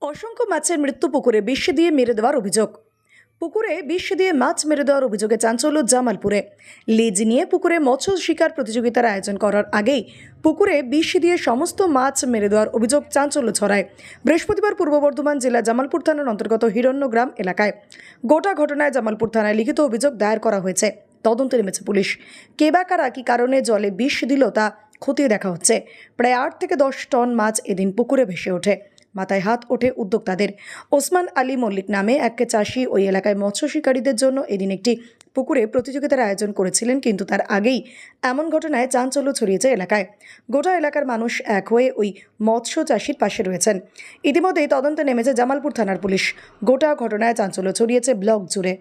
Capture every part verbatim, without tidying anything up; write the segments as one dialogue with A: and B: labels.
A: অসংখ্য মাছের মৃত্যু পুকুরে বিষ দিয়ে মেরে দেওয়ার অভিযোগ। পুকুরে বিষ দিয়ে মাছ মেরে দেওয়ার অভিযোগে চাঞ্চল্য জামালপুরে। লিজ নিয়ে পুকুরে মৎস্য শিকার প্রতিযোগিতার আয়োজন করার আগেই পুকুরে বিষ দিয়ে সমস্ত মাছ মেরে দেওয়ার অভিযোগ চাঞ্চল্য ছড়ায় বৃহস্পতিবার পূর্ব বর্ধমান জেলা জামালপুর থানার অন্তর্গত হিরণ্যগ্রাম এলাকায়। গোটা ঘটনায় জামালপুর থানায় লিখিত অভিযোগ দায়ের করা হয়েছে। তদন্তে নেমেছে পুলিশ। কে বা কারা কি কারণে জলে বিষ দিল তা খতিয়ে দেখা হচ্ছে। প্রায় আট থেকে দশ টন মাছ এদিন পুকুরে ভেসে ওঠে। মাথায় হাত ওঠে উদ্যোক্তাদের। ওসমান আলী মল্লিক নামে এক চাষি ওই এলাকায় মৎস্য শিকারীদের জন্য এদিন একটি পুকুরে প্রতিযোগিতার আয়োজন করেছিলেন, কিন্তু তার আগেই এমন ঘটনায় চাঞ্চল্য ছড়িয়েছে এলাকায়। গোটা এলাকার মানুষ এক হয়ে ওই মৎস্য চাষির পাশে রয়েছেন। ইতিমধ্যেই তদন্তে নেমেছে জামালপুর থানার পুলিশ। গোটা ঘটনায় চাঞ্চল্য ছড়িয়েছে ব্লক জুড়ে।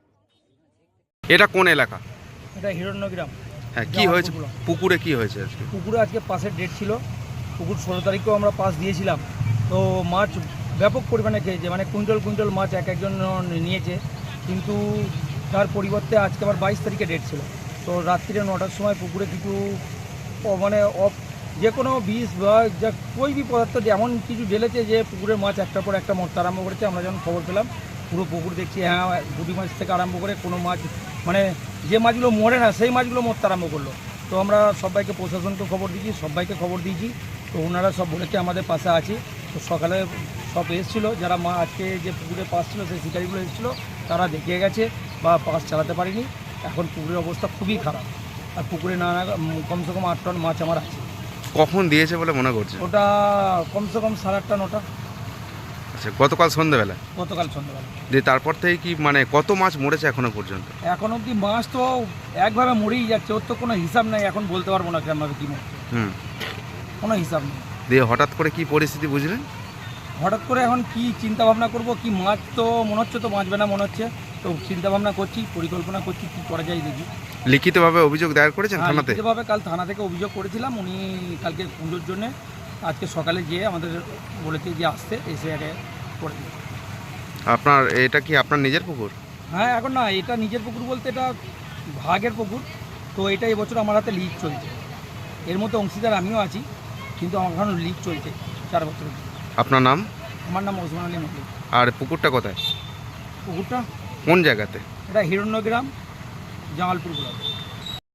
B: এটা কোন এলাকা?
C: এটা হিরণ্যগ্রাম।
B: হ্যাঁ, কি হয়েছে পুকুরে? কি হয়েছে আজকে
C: পুকুরে? আজকে পাসের ডেট ছিল। পুকুর ষোলো তারিখেও আমরা পাস দিয়েছিলাম। তো মাছ ব্যাপক পরিমাণে খেয়েছে, মানে কুইন্টাল কুইন্টাল মাছ এক একজন নিয়েছে। কিন্তু তার পরিবর্তে আজকে আবার বাইশ তারিখে ডেট ছিল। তো রাত্রিরে নটার সময় পুকুরে কিছু মানে অফ যে কোনো বিষ বা যা কই বি পদার্থ এমন কিছু ঢেলেছে যে পুকুরের মাছ একটার পর একটা মরতে আরম্ভ করেছে। আমরা যখন খবর পেলাম পুরো পুকুর দেখছি, হ্যাঁ গুটি মাছ থেকে আরম্ভ করে কোনো মাছ মানে যে মাছগুলো মরে না সেই মাছগুলো মরতে আরম্ভ করলো। তো আমরা সবাইকে প্রশাসনকে খবর দিয়েছি, সবাইকে খবর দিয়েছি। তো ওনারা সব বলেছে আমাদের পাশে আছে। তো সকালে সব এসেছিলো, যারা মা আজকে যে পুকুরে পাস ছিল সেই শিকারিগুলো এসেছিলো, তারা দেখে গেছে বা পাস চালাতে পারিনি। এখন পুকুরের অবস্থা খুবই খারাপ। আর পুকুরে না কমসে কম আট টন মাছ আমার আছে।
B: কখন দিয়েছে বলে মনে করছে?
C: ওটা কমসে কম সাড়ে আটটা নটা।
B: আচ্ছা, গতকাল সন্ধ্যাবেলা?
C: গতকাল সন্ধ্যাবেলা।
B: দিয়ে তারপর থেকে কি মানে কত মাছ মরেছে এখনো পর্যন্ত?
C: এখন অবধি মাছ তো একভাবে মরেই যাচ্ছে, ওর তো কোনো হিসাব নেই। এখন বলতে পারবো না কেমন কী মরছে,
B: হুম
C: কোনো হিসাব নেই।
B: দিয়ে হঠাৎ করে কি পরিস্থিতি বুঝলেন?
C: হঠাৎ করে এখন কি চিন্তা ভাবনা করবো, কি মাছ তো মনে হচ্ছে তো বাঁচবে না মনে হচ্ছে। তো চিন্তা ভাবনা করছি, পরিকল্পনা করছি কী করা যায় দেখি।
B: লিখিতভাবে অভিযোগ দায়ের করেছেন থানাতে?
C: লিখিতভাবে কাল থানা থেকে অভিযোগ করেছিলাম। উনি কালকে পুজোর জন্যে আজকে সকালে গিয়ে আমাদের বলেছে যে আসতে, এসে আগে করে দিই।
B: আপনার এটা কি আপনার নিজের পুকুর?
C: হ্যাঁ, এখন না এটা নিজের পুকুর বলতে এটা ভাগের পুকুর। তো এটা এবছর আমার হাতে লিজ চলছে। এর মধ্যে অংশীদার আমিও আছি, কিন্তু আমার এখন লিজ চলছে চার বছরের।
B: আপনার নাম?
C: আমার নাম ওসমান আলী মল্লিক।
B: আর পুকুরটা কোথায়?
C: পুকুরটা
B: কোন জায়গাতে?
C: এটা হিরণ্যগ্রাম, জামালপুর ব্লক।